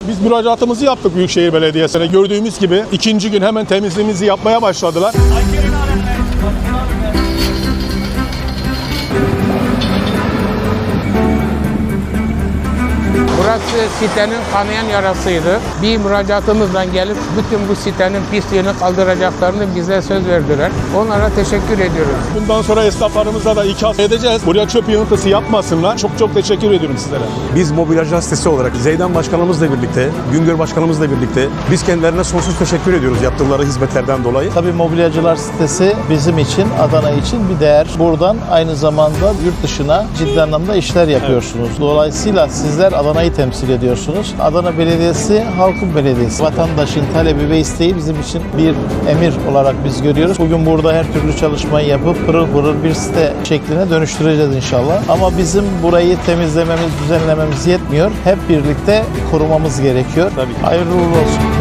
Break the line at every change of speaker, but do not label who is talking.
Biz müracaatımızı yaptık Büyükşehir Belediyesi'ne. Gördüğümüz gibi ikinci gün hemen temizliğimizi yapmaya başladılar.
Burası sitenin kanayan yarasıydı. Bir müracaatımızla gelip bütün bu sitenin pisliğini kaldıracaklarını bize söz verdiler. Onlara teşekkür ediyoruz.
Bundan sonra esnaflarımıza da ikaz edeceğiz. Buraya çöp yığıntısı yapmasınlar. Çok teşekkür ediyorum sizlere.
Biz mobilyacı sitesi olarak Zeydan Başkanımızla birlikte, Güngör Başkanımızla birlikte biz kendilerine sonsuz teşekkür ediyoruz yaptıkları hizmetlerden dolayı.
Tabii mobilyacılar sitesi bizim için, Adana için bir değer. Buradan aynı zamanda yurt dışına ciddi anlamda işler yapıyorsunuz. Dolayısıyla sizler Adana'yı temsil ediyorsunuz. Adana Belediyesi halkın belediyesi. Vatandaşın talebi ve isteği bizim için bir emir olarak biz görüyoruz. Bugün burada her türlü çalışmayı yapıp pırıl pırıl bir site şekline dönüştüreceğiz inşallah. Ama bizim burayı temizlememiz, düzenlememiz yetmiyor. Hep birlikte korumamız gerekiyor. Hayırlı uğurlu olsun.